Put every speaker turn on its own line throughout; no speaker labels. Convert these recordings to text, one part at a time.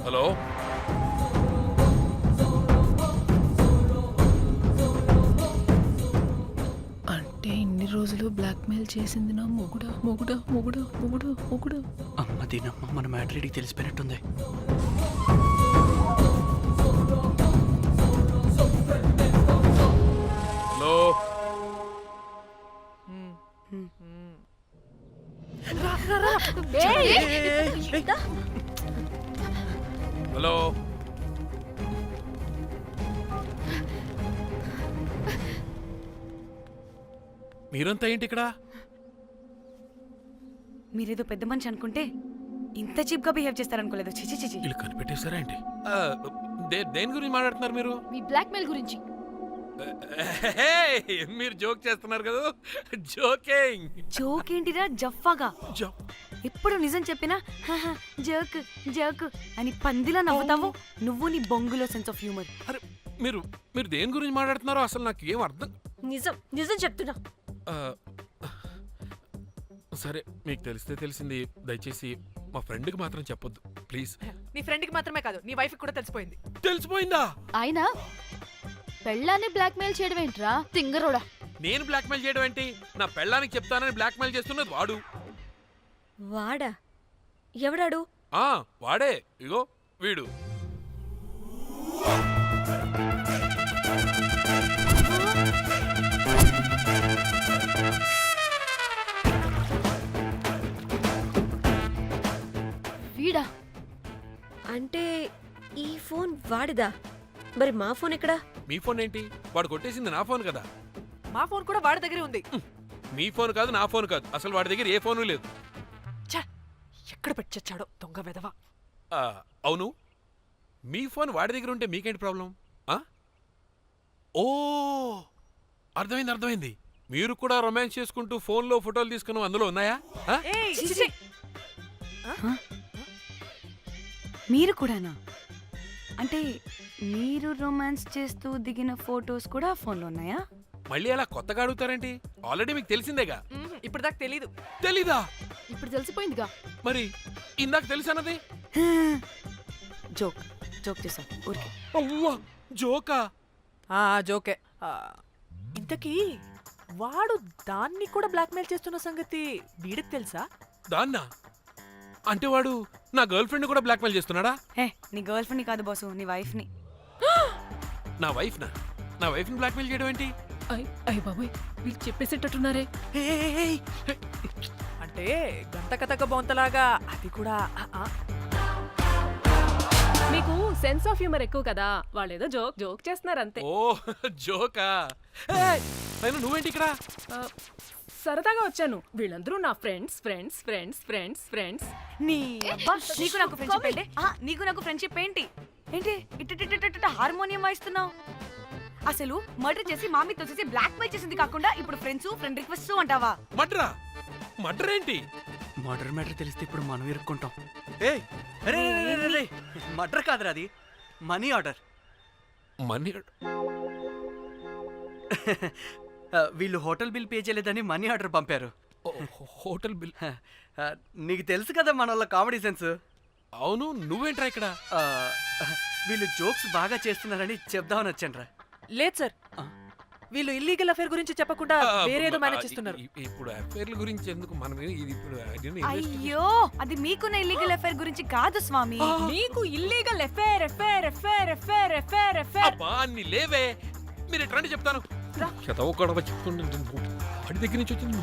Hello
అంటే ఇన్ని రోజులు బ్లాక్మెయిల్ చేసింది నా మొగుడా మొగుడా మొగుడా మొగుడా మొగుడా.
అమ్మ దీనమ్మ మన మ్యాటరీడికి తెలిసిపోయినట్టుంది.
హలో హలో మీరంతా ఏంటి ఇక్కడ?
మీరేదో పెద్ద మనిషి అనుకుంటే ఇంత చీప్ గా బిహేవ్ చేస్తారనుకోలేదు. చిచి చిచి.
వీళ్ళు కనిపెట్టేశారా ఏంటి? దేని గురించి మాట్లాడుతున్నారు మీరు?
మీ బ్లాక్మెయిల్ గురించి.
మీరు జోక్ చేస్తున్నారు కదా? జోకింగ్.
జోక్ ఏంటిరా జఫ్ఫాగా? ఎప్పుడు నిజం చెప్పినా జోక్ జోక్ అని పందిలా నవ్వుతావు. నువ్వు నీ బొంగులో సెన్స్ ఆఫ్ హ్యూమర్.
అరే మీరు మీరు దేని గురించి మాట్లాడుతున్నారో అసలు నాకు ఏం అర్థం.
నిజం నిజం చెప్తున్నా.
సరే మీకు తెలిస్తే తెలిసింది. దయచేసి మా ఫ్రెండ్కి మాత్రం చెప్పొద్దు ప్లీజ్.
నీ ఫ్రెండ్కి మాత్రమే కాదు, నీ వైఫ్ కూడా తెలిసిపోయింది.
తెలిసిపోయిందా?
ఆయన పెళ్ళాన్ని బ్లాక్మెయిల్ చేయడం ఏంట్రా తింగరోడా?
నేను బ్లాక్మెయిల్ చేయడం ఏంటి? నా పెళ్ళానికి చెప్తానని బ్లాక్మెయిల్ చేస్తున్నది వాడు.
వాడా? ఎవడాడు?
వాడే. ఇగో వీడు.
వీడా?
అంటే ఈ ఫోన్ వాడిదా? మరి మా ఫోన్ ఎక్కడా?
మీ ఫోన్ ఏంటి? వాడు కొట్టేసింది నా ఫోన్ కదా.
మా ఫోన్ కూడా వాడి దగ్గరే ఉంది.
మీ ఫోన్ కాదు, నా ఫోన్ కాదు, అసలు వాడి దగ్గర ఏ ఫోను లేదు.
ఎక్కడ పెట్టొచ్చాడో దొంగ వెధవ.
అవును, మీ ఫోన్ వాడి దగ్గర ఉంటే మీకేంటి ప్రాబ్లం? ఓ అర్థమైంది. మీరు కూడా రొమాన్స్ చేసుకుంటూ ఫోన్లో ఫోటోలు తీసుకున్నాం, అందులో ఉన్నాయా?
మీరు కూడానా? అంటే మీరు రొమాన్స్ చేస్తూ దిగిన ఫోటోస్ కూడా ఫోన్లో ఉన్నాయా?
మళ్ళీ అలా కొత్తగా అడుగుతారేంటి? ఆల్రెడీ మీకు తెలిసిందేగా.
ఇప్పుడు దాకా తెలీదు.
తెలీదా?
ఇప్పుడు తెలిసిపోయిందిగా.
మరి ఇందాక తెలుసన్నది
జోక్ జోక్ చేశాను ఊరికే.
అవ్వా జోకా?
జోకే. ఇంతకీ వాడు దాన్ని కూడా బ్లాక్మెయిల్ చేస్తున్న సంగతి వీడికి తెలుసా?
దాన్నా? అంటే వాడు నా గర్ల్ ఫ్రెండ్ కూడా బ్లాక్మెయిల్ చేస్తున్నాడా?
నీ గర్ల్ ఫ్రెండ్ కాదు బాసు, నీ వైఫ్ ని.
నా వైఫ్ ని బ్లాక్మెయిల్ చేయడం ఏంటి?
అయ్య బాబోయ్, వీళ్ళు చెప్పేసేటట్టున్నారే.
అంటే గంట కథక బొంతలాగా అది కూడా.
మీకు సెన్స్ ఆఫ్ హ్యూమర్ ఎక్కువ కదా, వాళ్ళేదో జోక్ చేస్తున్నారు అంతే.
ఓ జోకా? నువ్వేంటి ఇక్కడ?
సరదాగా వచ్చాను. వీళ్ళందరూ నా friends friends friends friends friends.
నీకు నాకు ఫ్రెండ్షిప్ ఏంటి? నీకు నాకు ఫ్రెండ్షిప్ ఏంటి? ఏంటి ఇట్ట హార్మోనియం వాయిస్తున్నావు? అసలు మర్డర్ చేసి మామీ తోసేసి బ్లాక్ మెయిల్ చేసింది కాకుండా ఇప్పుడు ఫ్రెండ్స్ ఫ్రెండ్ రిక్వెస్ట్ అంటావా?
మర్డర్ ఏంటి?
మర్డర్ మ్యాటర్ తెలిస్తే ఇప్పుడు మనం ఇరుక్కుంటాం. మర్డర్ కాదురా, అది మనీ ఆర్డర్. వీళ్ళు హోటల్ బిల్ పే చేయలేదని మనీ ఆర్డర్ పంపారు.
Hotel bill?
నీకు తెలుసు కదా మన వాళ్ళ కామెడీ సెన్స్.
అవును, నువ్వేంట్రా ఇక్కడ?
వీళ్ళు జోక్స్ బాగా చేస్తున్నారని చెప్దామని వచ్చానురా.
లేదు సార్, వీళ్ళు ఇల్లీగల్ అఫేర్ గురించి చెప్పకుండా వేరేదో మేనేజ్ చేస్తున్నారు.
ఇప్పుడు అఫేర్ల గురించి ఎందుకు మనం ఇప్పుడు?
అయ్యో, అది మీకున్న ఇల్లీగల్ అఫేర్ గురించి కాదు స్వామి.
మీకు illegal affair affair affair affair affair affair.
అబ్బా అన్ని లేవే, మీరు ఎట్లా చెప్తాను. వాడి దగ్గర నుంచి వచ్చింది,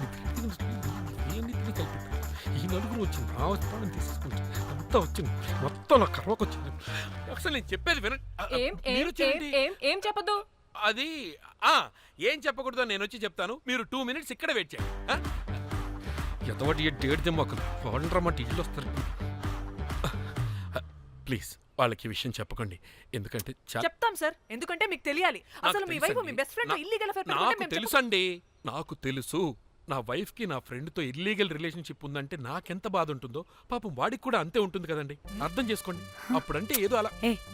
ఈ నలుగురు వచ్చింది, నా వస్తాను తీసుకుంటా, అంతా వచ్చింది, మొత్తం నా కర్వకు వచ్చింది. అసలు నేను చెప్పేది వినండి.
ఏం చెప్పదు?
అది ఏం చెప్పకూడదు, నేను వచ్చి చెప్తాను. మీరు 2 minutes ఇక్కడ వెయిట్ చేయండి. ఎంతవాటి డేట్ దిమ్మకలు వాడంటారన్నమాట, ఇల్లు వస్తారు. ప్లీజ్ వాళ్ళకి ఈ విషయం చెప్పకండి, ఎందుకంటే
చెప్తాం సార్, ఎందుకంటే మీకు తెలియాలి. అసలు మీ వైఫ్ మీ బెస్ట్ ఫ్రెండ్ ఇల్లీగల్ అఫేర్.
నాకు తెలుసండి, నాకు తెలుసు. నా వైఫ్ కి నా ఫ్రెండ్ తో ఇల్లీగల్ రిలేషన్షిప్ ఉందంటే నాకెంత బాధ ఉంటుందో పాపం వాడికి కూడా అంతే ఉంటుంది కదండి. అర్థం చేసుకోండి. అప్పుడంటే ఏదో అలా.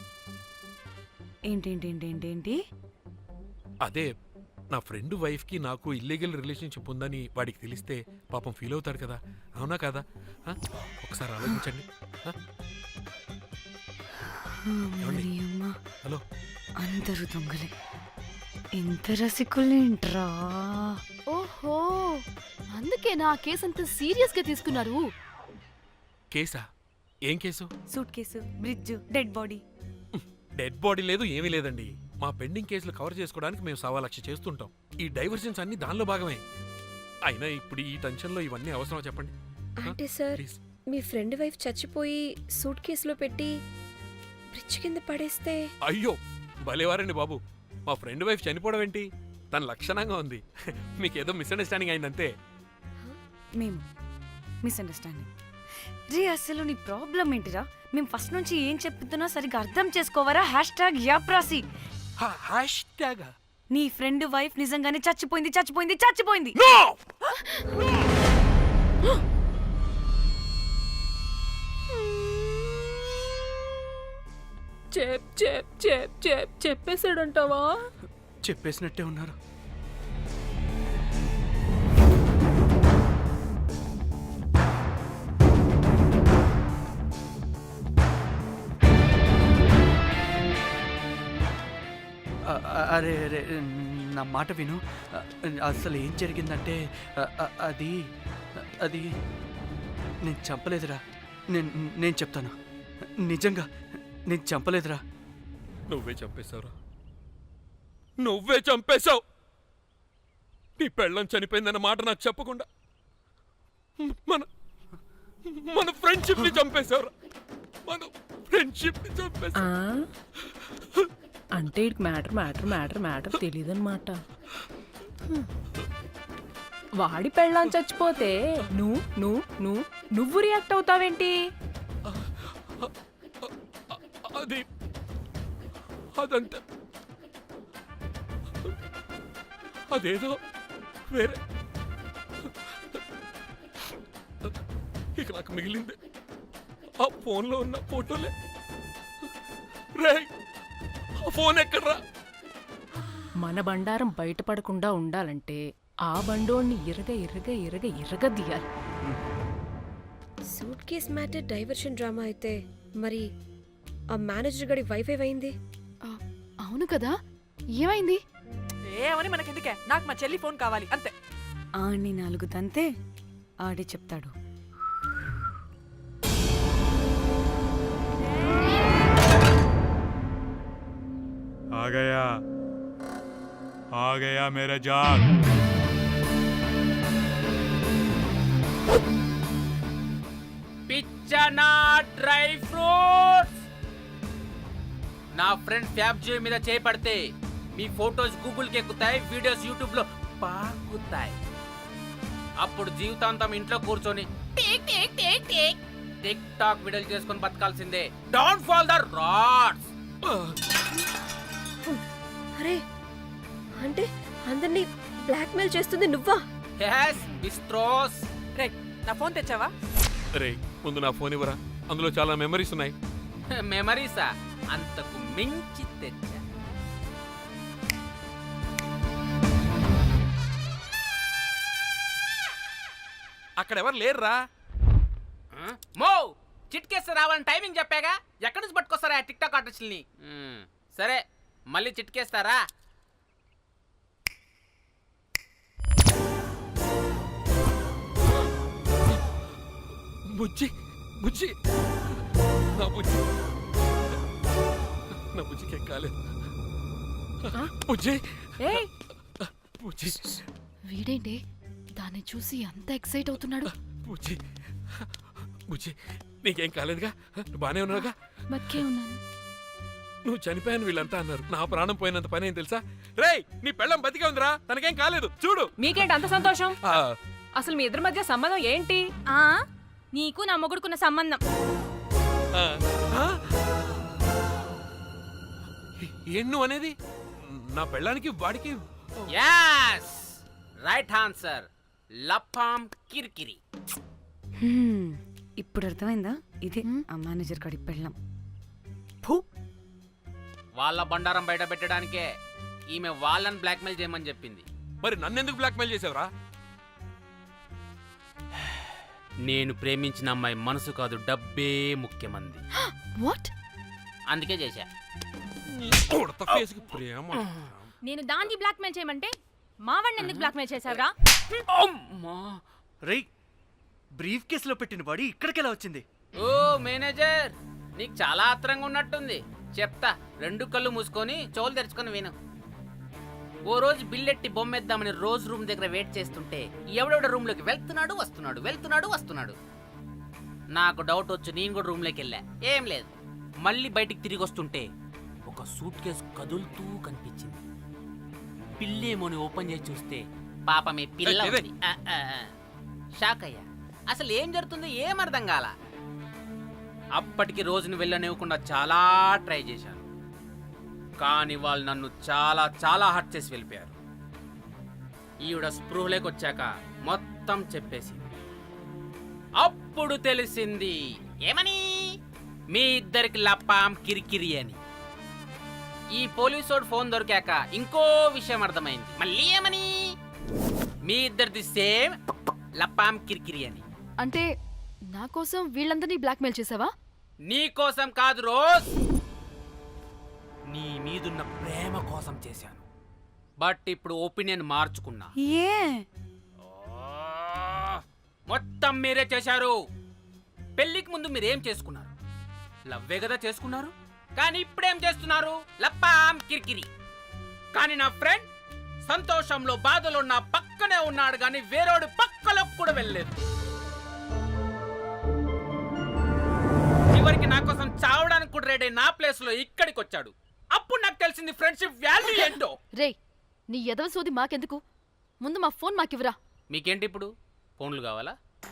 ఏంటి?
అదే నా ఫ్రెండ్ వైఫ్ కి నాకు ఇల్లీగల్ రిలేషన్షిప్ ఉందని వాడికి తెలిస్తే పాపం ఫీల్ అవుతాడు కదా, అవునా కదా? ఒకసారి ఆలోచించండి.
మరి అమ్మా
హలో
అందరూ దొంగలే ఇంత రసికులేంట్రా
ఓహో అందుకే నా కేసు అంత సీరియస్ గా తీసుకున్నారు.
కేసా? ఏం case?
Suitcase, bridge, dead body.
Dead body లేదు, ఏమీ లేదండి. మా పెండింగ్ కేసులు కవర్ చేసుకోవడానికి మేము 1,00,000 చేస్తుంటాం. ఈ డైవర్షన్స్ అన్ని దానిలో భాగమే. అయినా ఇప్పుడు ఈ టెన్షన్లో ఇవన్నీ అవసరమా చెప్పండి?
అంటే సార్
ప్లీజ్.
మీ ఫ్రెండ్ వైఫ్ చచ్చిపోయి సూట్ కేసులో పెట్టి బ్రిడ్జ్ కింద పడేస్తే
అయ్యో భలేవారండి బాబు. మా ఫ్రెండ్ వైఫ్ చనిపోవడం ఏంటి? తన లక్షణంగా ఉంది. మీకేదో మిస్అండర్స్టాండింగ్ అయిందంతే.
మేము మిస్అండర్స్టాండింగ్. రే అసలు నీ ప్రాబ్లం ఏంటిరా? మేము ఫస్ట్ నుంచి ఏం చెప్తున్నా సరిగ్గా అర్థం చేసుకోవరా? #యాప్రాసి.
హ్యాష్ ట్యాగ్
నీ ఫ్రెండ్ వైఫ్ నిజంగానే చచ్చిపోయింది చచ్చిపోయింది చచ్చిపోయింది.
చెప్పేసాడంటావా?
చెప్పేసినట్టే ఉన్నారు. అరే అరే నా మాట విను. అసలు ఏం జరిగిందంటే అది అది నేను చంపలేదురా. నేను చెప్తాను, నిజంగా నేను చంపలేదురా.
నువ్వే చంపేశావురా. నువ్వే చంపేశావు. నీ పెళ్ళం చనిపోయిందన్న మాట నాకు చెప్పకుండా మన మన ఫ్రెండ్షిప్ ని చంపేశావురా. మన ఫ్రెండ్షిప్ ని చంపేశావు.
అంటే ఇటు మ్యాటర్ తెలియదన్నమాట. వాడి పెళ్ళాం చచ్చిపోతే నువ్వు రియాక్ట్ అవుతావేంటి?
అది అదంతా అదేదో వేరే. ఇక నాకు మిగిలింది ఆ ఫోన్లో ఉన్న ఫోటోలే. రే ఆ ఫోన్ ఎక్కడ్రా?
మన బండారం బయటపడకుండా ఉండాలంటే ఆ బండోణ్ణి ఇరగదీయాలి.
Suitcase matter diversion drama అయితే మరి ఆ మేనేజర్ గడి వైఫ్ ఏమైంది?
అవును కదా, ఏమైంది?
ఏమని మనకెందుకే, నాకు మా చెల్లి ఫోన్ కావాలి అంతే.
ఆడిని 4 తంతే ఆడే చెప్తాడు.
आ गया मेरा जाग.
పిచ్చనా డ్రై ఫ్రూట్స్. నా ఫ్రెండ్ ఫ్యాబ్ జియో మీద చేపడితే మీ ఫోటోస్ గూగుల్కి ఎక్కుతాయి, వీడియోస్ యూట్యూబ్లో పాకుతాయి. అప్పుడు జీవితాంతం ఇంట్లో కూర్చొని టిక్ టాక్ వీడియోలు చేసుకొని బతకాల్సిందే. Don't fall the rods.
అరే అంటే అందరినీ బ్లాక్మెయిల్ చేస్తుంది నువ్వా?
yes బిస్ట్రోస్.
రే నా ఫోన్ తెచ్చావా?
రే ముందు నా ఫోన్ ఇవ్వరా, అందులో చాలా మెమరీస్ ఉన్నాయి.
మెమరీసా? అంతకు మించి తెచ్చా.
అక్కడ ఎవరు లేరురా.
మో చిట్కేస్తే రావాలని టైమింగ్ చెప్పాగా, ఎక్కడి నుంచి పట్టుకొస్తారా టిక్ టాక్ ఆర్టిస్టుల్ని? సరే మళ్ళీ చిట్కేస్తారా?
బుజ్జి బుజ్జి నా బుజ్జి నా బుజ్జికి కాలేదు. బుజ్జి
ఏయ్
బుజ్జి
వీడేంటి దాన్ని చూసి అంత ఎక్సైట్ అవుతున్నాడు?
బుజ్జి బుజ్జి నీకేం కాలేదుగా? నువ్వు బానే ఉన్నావుగా?
బతికే ఉన్నాను.
నువ్వు చనిపోయాను వీళ్ళంతా అన్నారు. నా ప్రాణం పోయినంత పని ఏం తెలుసా? రేయ్ నీ పెళ్ళం బతికే ఉందిరా, తనకేం కాలేదు చూడు.
మీకేంటి అంత సంతోషం?
ఆ,
అసలు మీ ఇద్దరి మధ్య సంబంధం ఏంటి?
నీకు నా మొగుడుకున్న సంబంధం.
ఆ, ఆ? ఏం నువ్వు అనేది? నా పెళ్ళానికి వాడికి
yes రైట్ ఆన్సర్. లపాం కిరికిరి.
ఇప్పుడు అర్థమైందా? ఇదే ఆ మేనేజర్ గడి పెళ్ళం.
వాళ్ళ బండారం బయట పెట్టడానికే ఈమె వాళ్ళని బ్లాక్మెయిల్ చేయమని చెప్పింది.
మరి నన్నెందుకు బ్లాక్మెయిల్ చేసావురా?
నేను ప్రేమించిన అమ్మాయి మనసు కాదు, డబ్బే ముఖ్యమంది.
వాట్?
అందుకే చేశా.
ఉడత ఫేస్కి ప్రేమ.
నేను దాన్ని బ్లాక్మెయిల్ చేయమంటే మావాడిని ఎందుకు బ్లాక్మెయిల్ చేశావురా?
అమ్మా.
రేయ్, బ్రీఫ్ కేసులో పెట్టిన బాడీ ఇక్కడికెలా వచ్చింది?
ఓ మేనేజర్, నీకు చాలా ఆత్రంగా ఉన్నట్టుంది. చెప్తా, 2 కళ్ళు మూసుకొని చెవులు తెరుచుకొని విను. ఓ రోజు బిల్లెట్టి బొమ్మేద్దామని రోజు రూమ్ దగ్గర వెయిట్ చేస్తుంటే ఎవడెవడ రూమ్లోకి వెళ్తున్నాడు వస్తున్నాడు. నాకు డౌట్ వచ్చి నేను కూడా రూమ్లోకి వెళ్ళా. ఏం లేదు. మళ్ళీ బయటికి తిరిగి వస్తుంటే ఒక సూట్ కేసు కదులుతూ కనిపించింది. పిల్లేమోని ఓపెన్ చేసి చూస్తే పాపమే పిల్ల ఉంది. షాక్ అయ్యా. అసలు ఏం జరుగుతుందో ఏం అర్థం కాల. అప్పటికి రోజును వెళ్ళనివ్వకుండా చాలా ట్రై చేశాను, కానీ వాళ్ళు నన్ను చాలా చాలా హర్ట్ చేసి వెళ్ళిపోయారు. ఈవిడ స్పృహలోకి వచ్చాక మొత్తం చెప్పేసింది. అప్పుడు తెలిసింది ఏమని, మీ ఇద్దరికి లపాం కిరికిరి అని. ఈ పోలీసోడు ఫోన్ దొరికాక ఇంకో విషయం అర్థమైంది. మళ్ళీ ఏమని, మీ ఇద్దరిది సేమ్ లపాం కిరికిరి అని.
అంటే నా కోసం వీళ్ళందరినీ బ్లాక్మెయిల్ చేసావా?
నీ కోసం కాదు రోజ్, నీ మీదున్న ప్రేమ కోసం చేశాను. బట్ ఇప్పుడు ఒపీనియన్ మార్చుకున్నా.
ఏ
మొత్తం మీరే చేశారు. పెళ్లికి ముందు మీరేం చేసుకున్నారు? లవ్వే కదా చేసుకున్నారు. కానీ ఇప్పుడేం చేస్తున్నారు? లప్పాం కిరికిరి. కానీ నా ఫ్రెండ్ సంతోషంలో బాధలో నా పక్కనే ఉన్నాడు, కానీ వేరేడు పక్కలోకి కూడా వెళ్ళలేదు. చివరికి నా కోసం చావడానికి కూడా రెడీ నా ప్లేస్ లో ఇక్కడికి వచ్చాడు. అప్పుడు నాకు తెలిసింది ఫ్రెండ్షిప్ వాల్యూ ఏంటో.
రే, నీ ఎదవ సోది మాకెందుకు? ముందు మా ఫోన్ మాకివ్వరా.
మీకేంటి ఇప్పుడు ఫోన్లు కావాలా?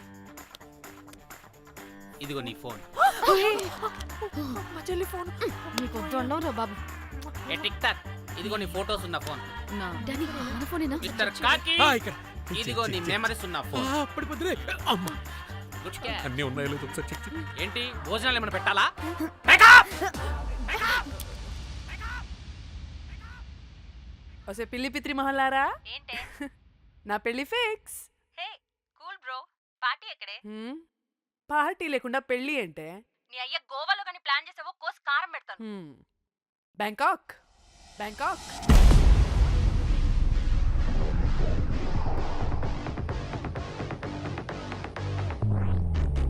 ఇదిగో నీ ఫోన్.
మా చెల్లి ఫోన్.
నీకు వద్దు అన్నావురా బాబు.
ఏ టిక్ టాక్, ఇదిగో నీ ఫోటోస్ ఉన్న ఫోన్.
డానీ, మన ఫోనేనా?
మిస్టర్ కాకి,
ఇక్కడ
ఇదిగో నీ మెమరీస్ ఉన్న ఫోన్.
అప్పటి పొద్దునే అమ్మా
గుడ్ క్యాచ్.
అన్నీ ఉన్నాయో లేదో ఒకసారి చెక్ చెయ్యి.
ఏంటి భోజనాలు ఏమైనా పెట్టాలా?
వసే పిల్లి పిత్రి మహల్లారా,
ఏంటే?
నా పెళ్లి fix.
Hey cool bro, party ఎక్కడే?
పార్టీ లేకుండా పెళ్లి అంటే
నీ అయ్య గోవాలో కానీ ప్లాన్ చేసావో కోసి కారం పెడతాను.
బ్యాంకాక్.